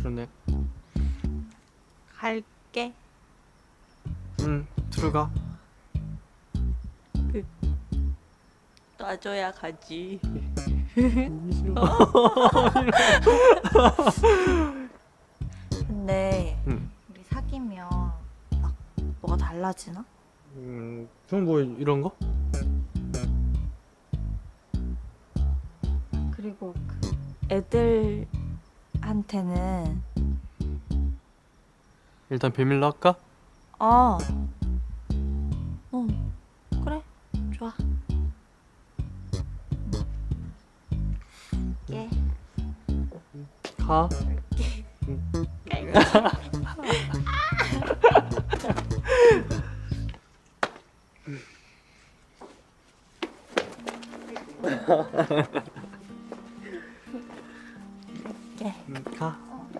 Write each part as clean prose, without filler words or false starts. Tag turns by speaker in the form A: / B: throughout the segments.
A: 그러네.
B: 갈게.
A: 응, 들어가.
B: 놔줘야 가지. 근데
A: 응.
B: 우리 사귀면 막 뭐가 달라지나?
A: 그럼 뭐 이런 거?
B: 그리고 그 애들한테는
A: 일단 비밀로 할까?
B: 어, 그래, 좋아. 예.
A: 가.
B: 예.
A: 가.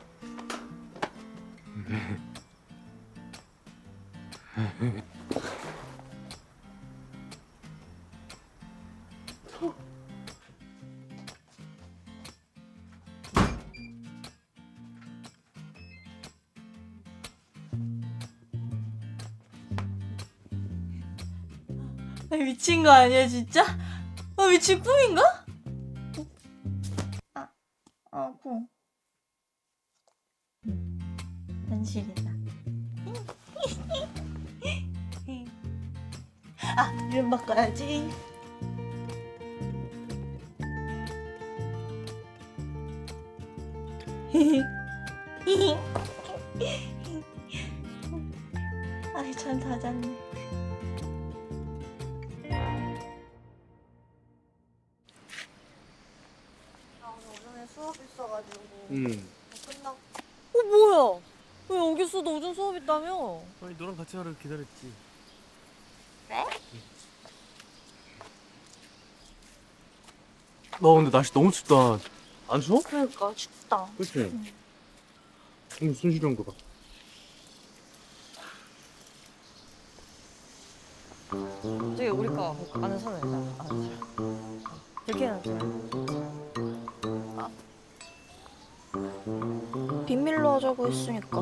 B: 미친 거 아니야 진짜? 미친 꿈인가? 꿈. 현실이다. 이름 바꿔야지. 잠 다 잤네. 나 오전에 수업 있어가지고 끝나고. 뭐야? 왜 여기 있어? 너 오전 수업 있다며?
A: 아니 너랑 같이 하러 기다렸지.
B: 그래?
A: 너 근데 날씨 너무 춥다. 안 추워?
B: 그러니까 춥다.
A: 그치? 손실이 형 거 봐.
B: 저기 우리 거 아는 사람 있잖아. 아는 사람. 이렇게 해야 돼. 비밀로 하자고 했으니까.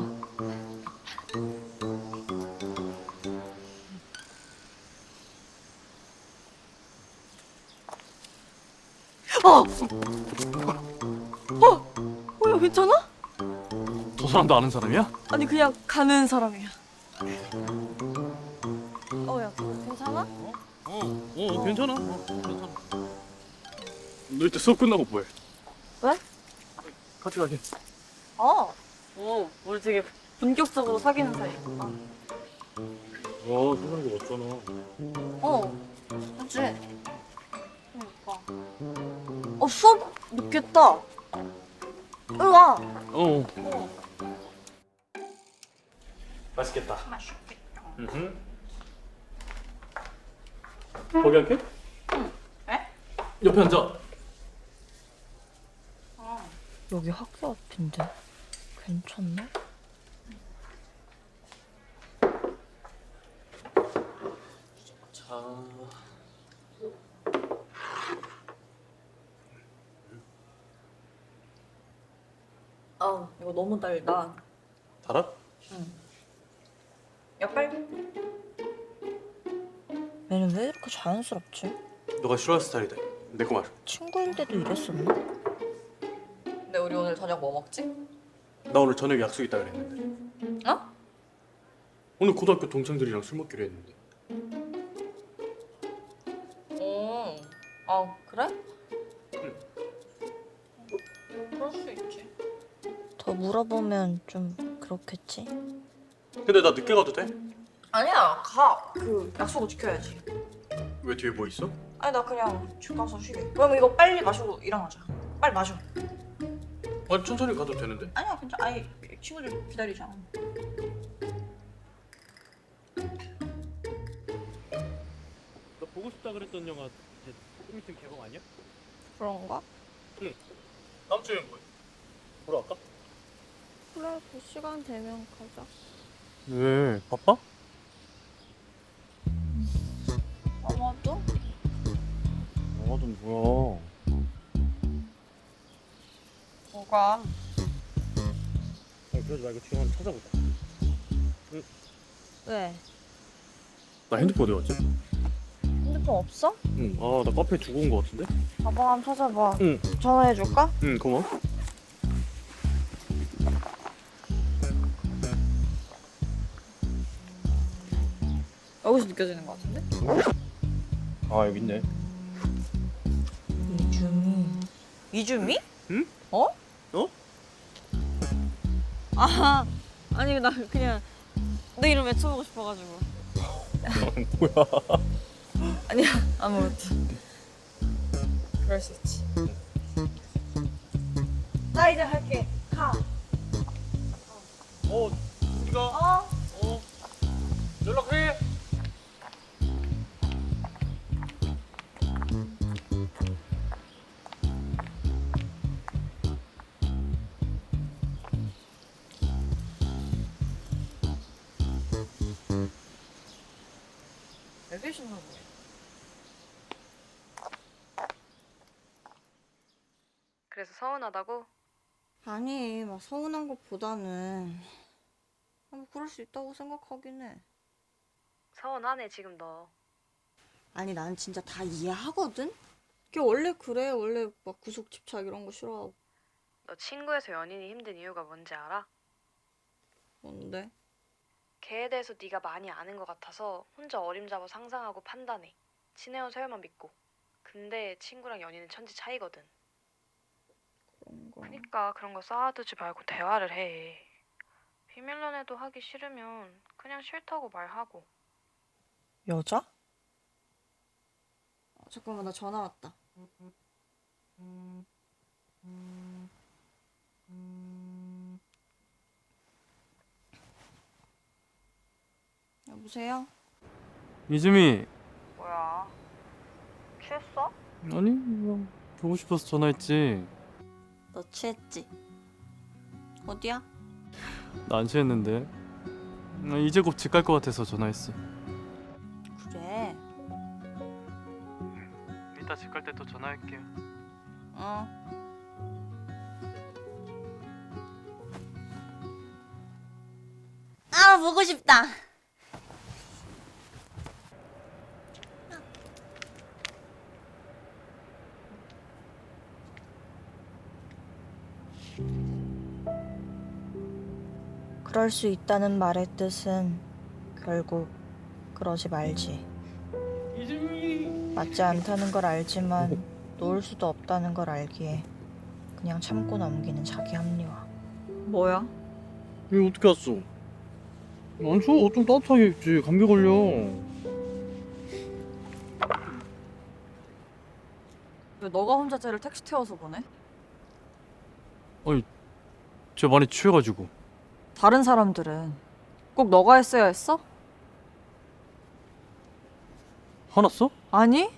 B: 야, 괜찮아?
A: 저 사람도 아는 사람이야?
B: 아니 그냥 가는 사람이야. 야, 괜찮아?
A: 괜찮아. 괜찮아. 너 이때 수업 끝나고 뭐해?
B: 왜?
A: 같이 가게.
B: 우리 되게 본격적으로 사귀는 사이구나.
A: 세상에 멋잖아.
B: 그치? 그러니까. 수업 늦겠다. 으아.
A: 맛있겠다.
B: 맛있겠다.
A: 거기 할게?
B: 왜?
A: 옆에 앉아.
B: 여기 학교 앞인데 괜찮나?
A: 자.
B: 이거 너무 달다.
A: 달아?
B: 야, 빨리. 얘는 왜 이렇게 자연스럽지?
A: 너가 싫어하는 스타일이다. 내 거 말.
B: 친구인데도 이랬었나? 근데 우리 오늘 저녁 뭐 먹지?
A: 나 오늘 저녁에 약속 있다 그랬는데.
B: 어?
A: 오늘 고등학교 동창들이랑 술 먹기로 했는데.
B: 그래? 그럴 수 있지. 더 물어보면 좀 그렇겠지?
A: 근데 나 늦게 가도 돼?
B: 아니야, 가. 약속을 지켜야지.
A: 왜 뒤에 뭐 있어?
B: 아니, 나 그냥 집 가서 쉬게. 그럼 이거 빨리 마시고 일어나자. 빨리 마셔.
A: 아니 천천히 가도 되는데.
B: 아니야, 괜찮아. 아니, 친구들 기다리잖아.
A: 너 보고 싶다 그랬던 영화 이제 좀 있으면 개봉 아니야?
B: 그런가?
A: 다음 주에 뭐해? 보러 갈까?
B: 그래, 그 시간 되면 가자.
A: 왜? 바빠?
B: 아마도?
A: 영화도 뭐야?
B: 뭐가?
A: 그러지 말고 지금 한번 찾아보자.
B: 왜?
A: 나 핸드폰 어디 갔지?
B: 핸드폰 없어?
A: 응. 아, 나 카페에 두고 온 거 같은데?
B: 가방 한번 찾아봐.
A: 응.
B: 전화해줄까?
A: 응, 고마워.
B: 여기서 느껴지는 것 같은데?
A: 아, 여기 있네.
B: 이주미?
A: 응?
B: 어?
A: 어?
B: 아, 아니 나 그냥 내 이름 외쳐보고 싶어가지고.
A: 뭐야?
B: 아니야, 아무것도. 그럴 수 있지. 나 이제 갈게. 가.
A: 우리가
B: 어?
A: 연락해.
B: 왜 계시나 보네.
C: 그래서 서운하다고?
B: 아니, 막 서운한 것보다는 뭐 그럴 수 있다고 생각하긴 해.
C: 서운하네 지금 너.
B: 아니, 난 진짜 다 이해하거든? 걔 원래 그래. 원래 막 구속 집착 이런 거 싫어하고.
C: 너 친구에서 연인이 힘든 이유가 뭔지 알아?
B: 뭔데?
C: 걔에 대해서 네가 많이 아는 것 같아서 혼자 어림잡아 상상하고 판단해. 친해온 서열만 믿고. 근데 친구랑 연인은 천지 차이거든.
B: 그런 거.
C: 그니까 그런 거 쌓아두지 말고 대화를 해. 비밀 연애도 하기 싫으면 그냥 싫다고 말하고.
B: 여자? 잠깐만, 나 전화 왔다. 여보세요?
D: 이즈미.
C: 뭐야? 취했어?
D: 아니 뭐 보고 싶어서 전화했지.
B: 너 취했지? 어디야?
D: 나 안 취했는데. 나 이제 곧 집 갈 것 같아서 전화했어.
B: 그래.
D: 이따 집 갈 때 또 전화할게.
B: 어. 아, 보고 싶다. 그럴 수 있다는 말의 뜻은 결국 그러지 말지.
A: 이즈미.
B: 맞지 않다는 걸 알지만 놓을 수도 없다는 걸 알기에 그냥 참고 넘기는 자기 합리화. 뭐야?
A: 여기 어떻게 왔어? 안 추워? 좀 따뜻하게 입지. 감기 걸려.
B: 왜 너가 혼자 쟤를 택시 태워서 보내?
D: 제가 많이 취해가지고.
E: 다른 사람들은 꼭 너가 했어야 했어?
D: 화났어?
E: 아니?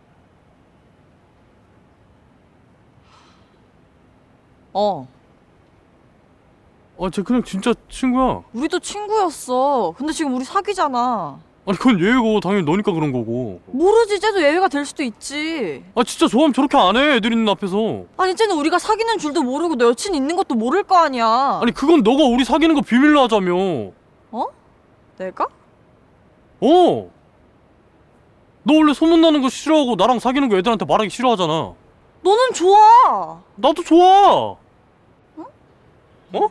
D: 쟤 그냥 진짜 친구야.
E: 우리도 친구였어. 근데 지금 우리 사귀잖아.
D: 아니 그건 얘고 당연히 너니까 그런 거고.
E: 모르지, 쟤도 예외가 될 수도 있지.
D: 진짜 좋아하면 저렇게 안 해. 애들 있는 앞에서.
E: 아니, 쟤는 우리가 사귀는 줄도 모르고 너 여친 있는 것도 모를 거 아니야.
D: 아니 그건 너가 우리 사귀는 거 비밀로 하자며.
E: 내가?
D: 너 원래 소문나는 거 싫어하고 나랑 사귀는 거 애들한테 말하기 싫어하잖아.
E: 너는 좋아.
D: 나도 좋아. 어?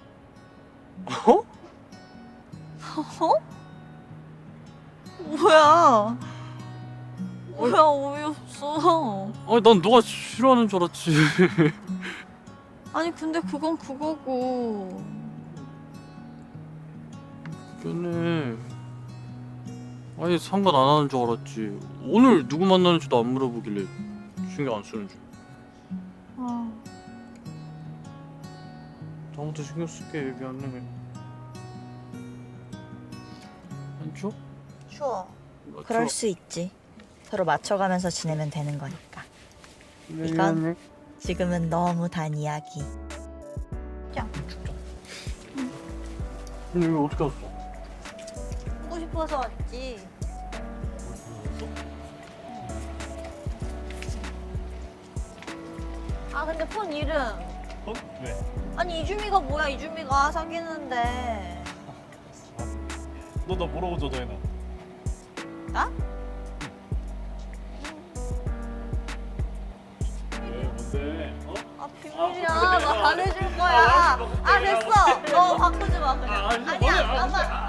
E: 뭐야? 뭐야, 어이없어.
D: 난 너가 싫어하는 줄 알았지.
E: 아니, 근데 그건 그거고.
D: 미안해. 아니 상관 안 하는 줄 알았지. 오늘 누구 만나는지도 안 물어보길래 신경 안 쓰는 줄.
E: 아,
D: 다음부터 신경 쓸게. 미안해. 안 추워?
B: 추워.
D: 나
B: 그럴
D: 추워.
B: 수 있지. 서로 맞춰가면서 지내면 되는 거니까. 이건 지금은 너무 단 이야기.
D: 근데 왜 어떻게 왔어?
B: 보고 싶어서 왔지. 아, 근데 폰 이름
A: 왜?
B: 아니 이주미가 뭐야? 이주미가 사귀는데.
A: 너 뭐라고 저장해놔?
B: 나?
A: 왜 뭔데? 어?
B: 아 비밀이야. 나 안 해줄 거야. 아 됐어. 너 바꾸지 마 그냥. 아니야. 나만.